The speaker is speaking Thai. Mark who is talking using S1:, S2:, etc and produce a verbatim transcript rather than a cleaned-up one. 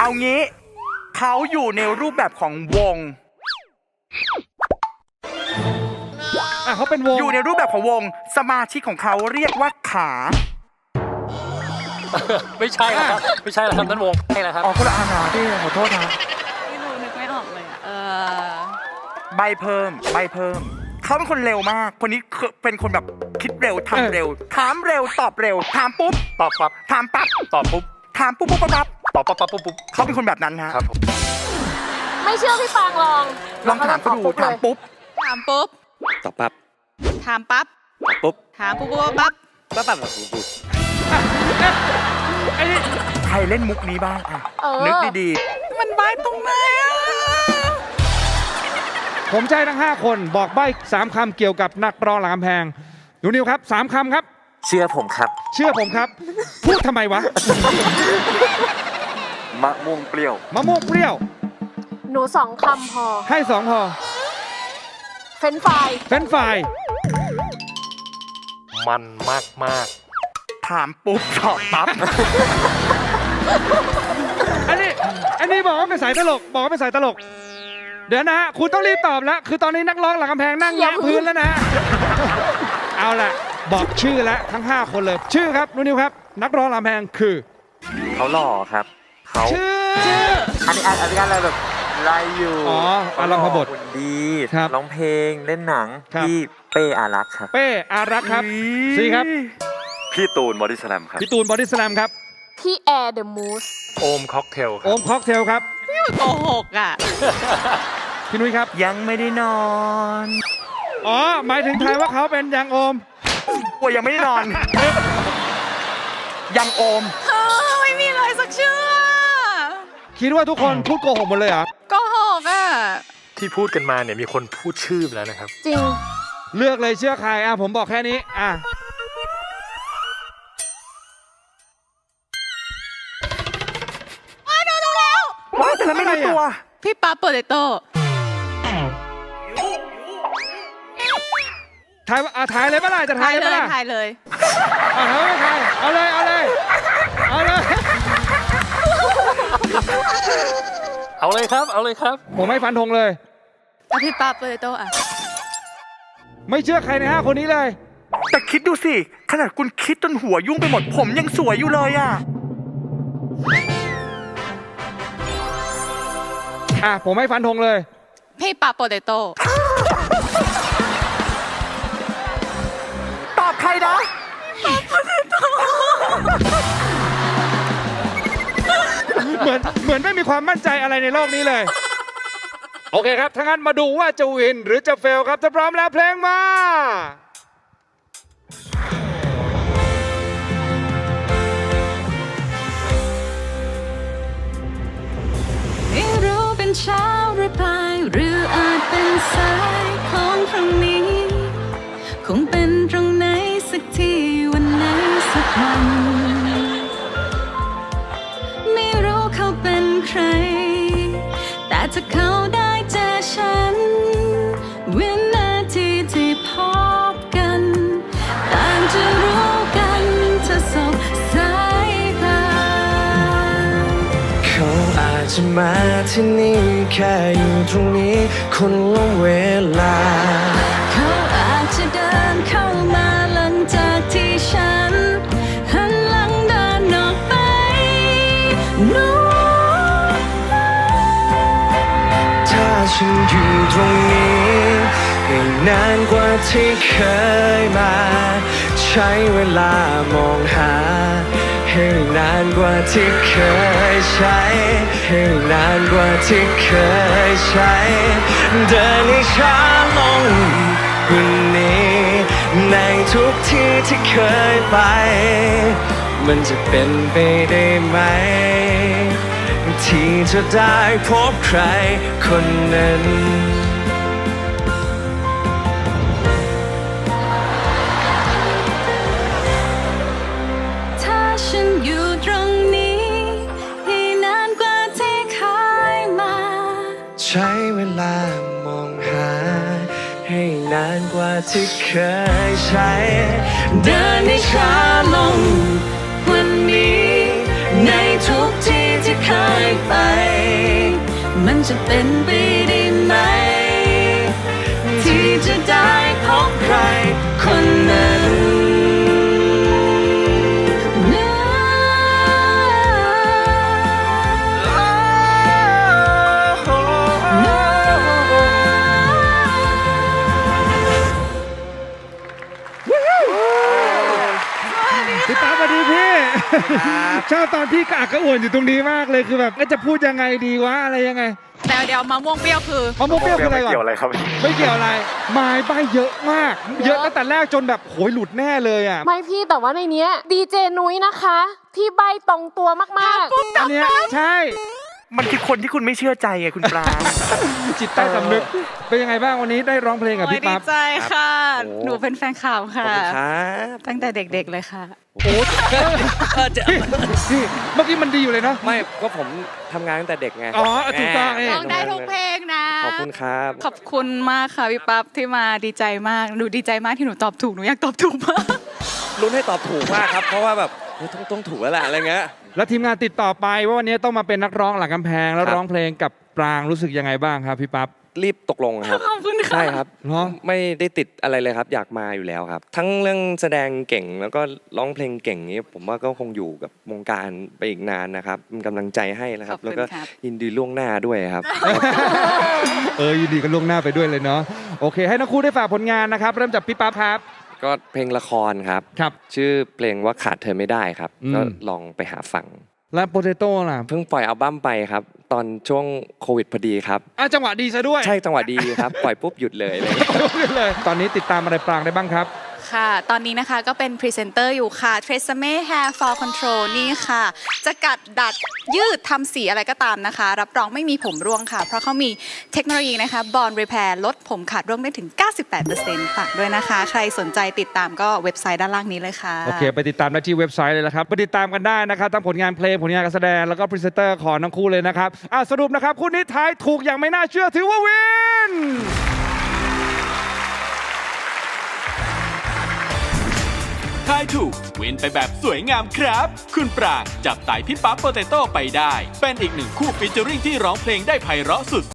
S1: เอางี้เขาอยู่ในรูปแบบของวง
S2: อ่ะเขาเป็นวง
S1: อยู่ในรูปแบบของวงสมาชิกของเขาเรียกว่าขา
S3: ไม่ใช่แล้วครับไม่ใช่แล้วครับนั่นวงใช่แล้วครับ
S1: อ๋อคนละอาณาพี่ขอโทษนะ
S4: ไม่รู้นึกไม่ออกเลยอ่ะเออ
S1: ใบเพิ่มใบเพิ่มเขาเป็นคนเร็วมากคนนี้เป็นคนแบบคิดเร็วทำเร็วถามเร็วตอบเร็วถามปุ๊บ
S3: ตอบปั๊บ
S1: ถามปั๊บ
S3: ตอบปุ๊บ
S1: ถามปุ๊บปุ๊บปั๊บปั๊บ
S3: ตอบปั๊บปั๊บปุ๊บปุ๊บ
S1: เขาเป็นคนแบบนั้นฮะ
S3: ครับผม
S5: ไม่เชื่อพี่ฟางลอง
S1: ลองถามเขาดูถามปุ๊บ
S4: ถามปุ๊บ
S6: ตอบปั๊บ
S4: ถามปั๊บ
S6: ปุ๊บ
S4: ถามปุ๊บปุ๊บปั๊บ
S6: ปั๊บปั๊บปั๊บปุ๊บ
S2: ไอ้นี่
S1: ใครเล่นมุกนี้บ้างอ่ะ
S5: เออ
S1: นึกดี
S4: มันใบ้ตรงไหนอ่ะ
S2: ผมใช้ทั้งห้าคนบอกใบ้สามคำเกี่ยวกับนักร้องหลังกำแพงหนูนิวครับสามคำครับ
S6: เชื่อผมครับ
S2: เชื่อผมครับ พูดทำไมวะ
S6: มะม่วงเปรี้ยว
S2: มะม่วงเปรี้ยว
S5: หนูสองคำพอ
S2: ให้สองพอ
S5: เฟรนช์ฟราย
S2: เฟรนช์ฟราย
S3: มันมากมาก
S1: ๆถามปุ๊บตอบปั๊บ
S2: อันนี้อันนี้บอกว่าเป็นสายตลกบอกว่าเป็นสายตลก เดี๋ยวนะฮะคุณต้องรีบตอบแล้ว คือตอนนี้นักร้องหลังกำแพงนั่งแงะพื้นแล้วนะฮะเอาล่ะบอกชื่อแล้วทั้งห้าคนเลย ชื่อครับนูนิวครับ นักร้องหลังกำแพงคือ
S6: เขาหล่อครับเขา
S2: ชื่อ
S6: อันนี้อันนี้อะไรแบบไรอยู่
S2: อ๋ออารัมพบท
S6: หุ่นดี
S2: ครับ
S6: ร้องเพลงเล่นหนัง
S2: ครับ
S6: พี่เป้อารักษ์ครับ
S2: เป้อารักษ์ครับสี่ครับ
S6: พี่ตูนบอดี้สแลมครับ
S2: พี่ตูนบอดี้สแลมครับ
S5: พี่แอร์เดอะมูส
S3: โอมค็อกเทลค
S2: โอ
S3: รับ
S2: มค็อกเทลครับ
S4: พี่โกหกอ่ะ
S2: พี่นุ้ยครับ
S1: ยังไม่ได้นอน
S2: อ๋อหมายถึงทายว่าเขาเป็นยังโอม
S1: กลัวยังไม่ได้นอน ยังโอม
S4: เออไม่มีเลยสักชื่อ
S2: คิดว่าทุกคนพูดโกหกหมดเลยเหรอ
S4: โกหกอ่ะ
S3: ที่พูดกันมาเนี่ยมีคนพูดชื่อไปแล้วนะครับ
S5: จริง
S2: เลือกเลยเชื่อใครอ่ะผมบอกแค่นี้อ่ะ
S4: ว้าดูดูแล้ว
S1: ว้ายแต่ละไม่รู้ตัว
S4: พี่ปั๊บโปเตโต้
S2: ทายว่าอ่ะทายเลยปะล่ะจะทา
S4: ถ่าย ย
S2: เลย
S4: เล
S2: ปะ
S4: ย
S2: ล่ะ
S4: ถ่ายเลย
S2: อ่ะทายไม่ทายเอาเลยเอาเลยเอาเลย
S3: เอาเลยครับ เอาเลยครับ
S2: ผมไม่ฟันธงเลย
S4: เอาพี่ปั๊บโปเตโต้อ่ะ
S2: ไม่เชื่อใครในห้าคนนี้เลย
S1: แต่คิดดูสิ ขนาดคุณคิดจนหัวยุ่งไปหมด ผมยังสวยอยู่เลยอ่ะ
S2: อ่ะผมไม่ฟันธงเลย
S4: พี่ปั๊บโปเตโต้
S1: ตอบใครนะ
S2: เหมือนเหมือนไม่มีความมั่นใจอะไรในโลกนี้เลย โอเคครับถ้างั้นมาดูว่าจะวินหรือจะเฟลครับถ้าพร้อมแล้วเพลงมา
S7: ไม่รู้เป็นเช้าหรือบ่ายหรืออาจเป็นสายของพรุ่งนี้ คงเป็นตรงไหนสักที่วันไหนสักวันไม่รู้เขาเป็นใคร แต่ถ้าเขาได้เจอฉัน วินาทีที่พบกันต่างจะรู้กันถ้าสบสายตา
S8: เขาอาจจะมาที่นี่แค่อยู่ตรงนี้คนละเวลา
S7: เขาอาจจะเดินเข้ามาหลังจากที่ฉันหันหลังเดินออกไปนู้น
S8: ถ้าฉันอยู่ตรงนี้ให้นานกว่าที่เคยมา ใช้เวลามองหา ให้นานกว่าที่เคยใช้ ให้นานกว่าที่เคยใช้ เดินให้ช้าลงกว่านี้ในทุกที่ที่เคยไป มันจะเป็นไปได้ไหม ที่จะได้พบใครคนนั้น
S7: ถ้าฉันอยู่ตรงนี้ให้นานกว่าที่เคยมา
S8: ใช้เวลามองหา ให้นานกว่าที่เคยใช้
S7: เดินให้ช้าลงวันนี้ในทุกที่ที่เคยไป
S2: พี่ป๊าสวัสดีพี่ชอบตอนพี่กระอักกระอ่วนอยู่ตรงนี้มากเลยคือแบบก็จะพูดยังไงดีวะอะไรยังไง
S4: แต่เดี๋ยวมะม่วงเปรี้ยวคือ
S2: มะม่วงเปรี้ยวคืออะไรก่อน
S6: เกี่ยวอะไรครับ
S2: ไม่เกี่ยวอะไรไม้ใบเยอะมาก เยอะตั้งแต่แรกจนแบบโหยหลุดแน่เลยอ่ะ
S5: ไม่พี่แต่ว่าในเนี้ยดีเจนุ้ยนะคะ ที่ใบตรงตัวมาก
S2: อันเนี้ยใช่
S1: มันคือคนที่คุณไม่เชื่อใจไงคุณปลา
S2: จิตใต้สำนึกเป็นยังไงบ้างวันนี้ได้ร้องเพลงกับ
S4: โอ้ย
S2: พี่
S4: ดี
S2: ปั๊บ
S4: ใจค่ะ
S8: โอ้
S4: หนูเป็นแฟนข่าวค่ะ
S8: ครับ
S4: ตั้งแต่เด็กๆเลยค่ะ
S2: โอ้พี่พี่เมื่อกี้มันดีอยู่เลยเนาะ
S8: ไม่ก็ผมทำงานตั้งแต่เด็กไง
S2: อ๋อถูกต้องเอง
S4: ร้องได้ทุกเพลงนะ
S8: ขอบคุณครับ
S4: ขอบคุณมากค่ะพี่ปั๊บที่มาดีใจมาก หนูดีใจมากที่หนูตอบถูก หนูอยากตอบถูกมาก
S8: ลุ้นให้ตอบถูกมากครับ เพราะว่าแบบเฮ้ยต้องต้องถูกแล้วแหละอะไรเงี้ย
S2: แล้วทีมงานติดต่อไปว่าวันนี้ต้องมาเป็นนักร้องหลังกำแพงแล้ว
S8: ครับ
S2: ร้องเพลงกับปรางรู้สึกยังไงบ้างครับพี่ปั๊บ
S8: รีบตกลงครับ
S4: ขอบคุณค่ะ
S8: ใช่ครับ
S2: เหรอ
S8: ไม่ได้ติดอะไรเลยครับ อยากมาอยู่แล้วครับ ทั้งเรื่องแสดงเก่งแล้วก็ร้องเพลงเก่งนี้ ผมว่าก็คงอยู่กับวงการไปอีกนานนะครับเป็นกำลังใจให้นะครับ
S4: ขอบคุณ
S8: แล้วก็
S4: ครับ
S8: ยินดีล่วงหน้าด้วยครับ
S2: เออยินดีกันล่วงหน้าไปด้วยเลยเนาะโอเค ให้ทั้งคู่ได้ฝากผลงานนะครับเริ่มจากพี่ปั๊บครับ
S8: ก็เพลงละครครับ
S2: ครับ
S8: ชื่อเพลงว่าขาดเธอไม่ได้ครับ
S2: อืม
S8: ก็ลองไปหาฟัง
S2: และโปเตโต้ล่ะ
S8: เพิ่งปล่อยอัลบั้มไปครับ ตอนช่วงโควิดพอดีครับ
S2: อ่ะจังหวะดีซะด้วย
S8: ใช่จังหวะดีครับ ปล่อยปุ๊บหยุดเลยเลย
S2: เลย ตอนนี้ติดตามอะไรปรางได้บ้างครับ
S4: ค่ะ ตอนนี้นะคะก็เป็นพรีเซนเตอร์อยู่ค่ะ Tresemme Hair Fall Control นี่ค่ะ จะกัดดัดยืดทำสีอะไรก็ตามนะคะ รับรองไม่มีผมร่วงค่ะ เพราะเขามีเทคโนโลยีนะคะ Bond Repair ลดผมขาดร่วงได้ถึง เก้าสิบแปดเปอร์เซ็นต์ ฝากด้วยนะคะ ใครสนใจติดตามก็เว็บไซต์ด้านล่างนี้เลยค่ะ
S2: โอเค ไปติดตามได้ที่เว็บไซต์เลยนะครับ ไปติดตามกันได้นะครับ ทั้งผลงานเพลง ผลงานการแสดง แล้วก็พรีเซนเตอร์ของทั้งคู่เลยนะครับ อ่ะสรุปนะครับ คู่นี้ทายถูกอย่างไม่น่าเชื่อถือว่าวิน
S9: ทายถูกวินไปแบบสวยงามครับ คุณปรางจับไต่พี่ปั๊บโปเตโต้ไปได้ เป็นอีกหนึ่งคู่ฟีเจอริ่งที่ร้องเพลงได้ไพเราะสุด